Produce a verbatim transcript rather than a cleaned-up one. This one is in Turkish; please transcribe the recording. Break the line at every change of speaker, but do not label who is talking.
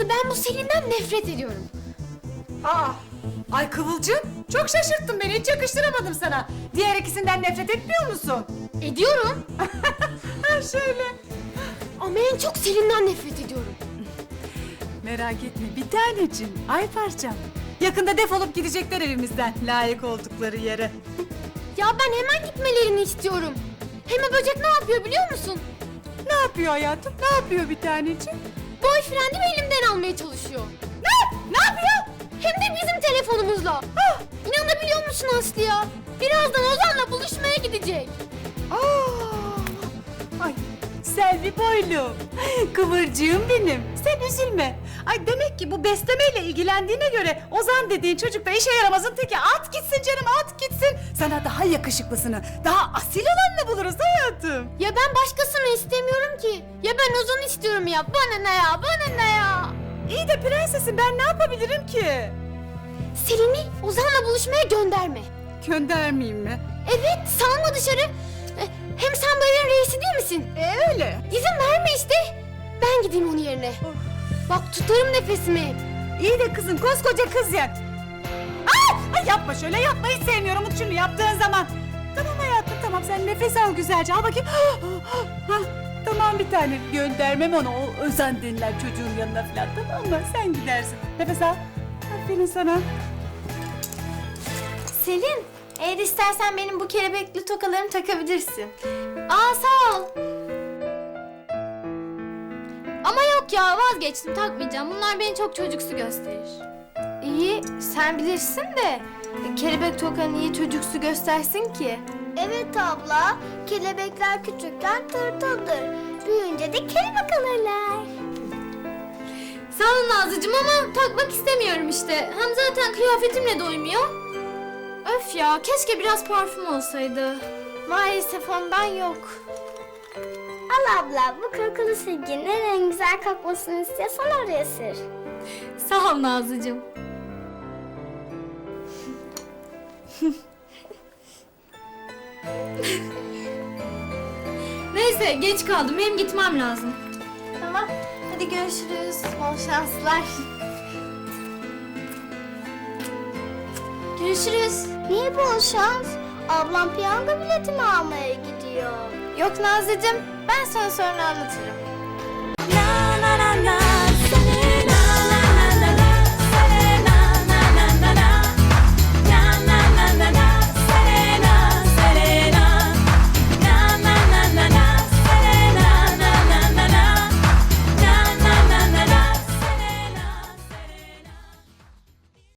Aslı ben bu Selin'den nefret ediyorum.
Aa, ay Kıvılcım, çok şaşırttın beni, hiç yakıştıramadım sana. Diğer ikisinden nefret etmiyor musun?
Ediyorum.
Ha şöyle.
Ama en çok Selin'den nefret ediyorum.
Merak etme bir tanecim, ay parçam. Yakında defolup gidecekler evimizden, layık oldukları yere.
Ya ben hemen gitmelerini istiyorum. Hem o böcek ne yapıyor biliyor musun?
Ne yapıyor hayatım, ne yapıyor bir taneciğim?
Boyfriendimi elimden almaya çalışıyor.
Ne? Ne yapıyor?
Hem de bizim telefonumuzla.
Ah!
İnanabiliyor musun Aslı ya? Birazdan Ozan'la buluşmaya gidecek.
Aa! Ay Selvi boylum, kıvırcığım benim. Sen üzülme. Ay demek ki bu beslemeyle ilgilendiğine göre Ozan dediğin çocuk da işe yaramazın teki. At gitsin canım, at gitsin. Sana daha yakışıklısını, daha asil olanını buluruz hayatım.
Ya ben başkasını istemiyorum ki. Ya ben Ozan'ı istiyorum ya. Bana ne ya, bana ne ya?
İyi de prensesim, ben ne yapabilirim ki?
Selin'i Ozan'la buluşmaya gönderme.
Göndermeyeyim mi?
Evet, salma dışarı. E, Hem sen bu evin reisi değil misin?
E öyle.
İzin verme işte. Ben gideyim onun yerine. Bak tutarım nefesimi.
İyi de kızım, koskoca kız ya. Ay, ay yapma şöyle, yapma, hiç sevmiyorum şunu yaptığın zaman. Tamam hayatım, tamam, sen nefes al güzelce, al bakayım. Hah, tamam bir tane, göndermem onu o Özan denilen çocuğun yanına falan, tamam mı? Sen gidersin, nefes al. Aferin sana.
Selin, eğer istersen benim bu kelebekli tokalarını takabilirsin. Aa sağ ol.
Ama yok ya vazgeçtim takmayacağım. Bunlar beni çok çocuksu gösterir.
İyi, sen bilirsin de e, kelebek tokan niye çocuksu göstersin ki?
Evet abla, kelebekler küçükken tırtıldır. Büyüyünce de kelebek alırlar.
Sağ ol Nazlıcığım ama takmak istemiyorum işte. Hem zaten kıyafetimle doymuyor. Öf ya keşke biraz parfüm olsaydı.
Maalesef ondan yok.
Al abla, bu kokulu silginin en güzel kokmasını istiyorsan oraya sür.
Sağ ol Nazlıcığım. Neyse geç kaldım hem gitmem lazım.
Tamam, hadi görüşürüz. Bol şanslar.
Görüşürüz.
Niye bol şans? Ablam piyango biletimi almaya gidiyor.
Yok Nazlıcığım, ben sana sonra anlatırım.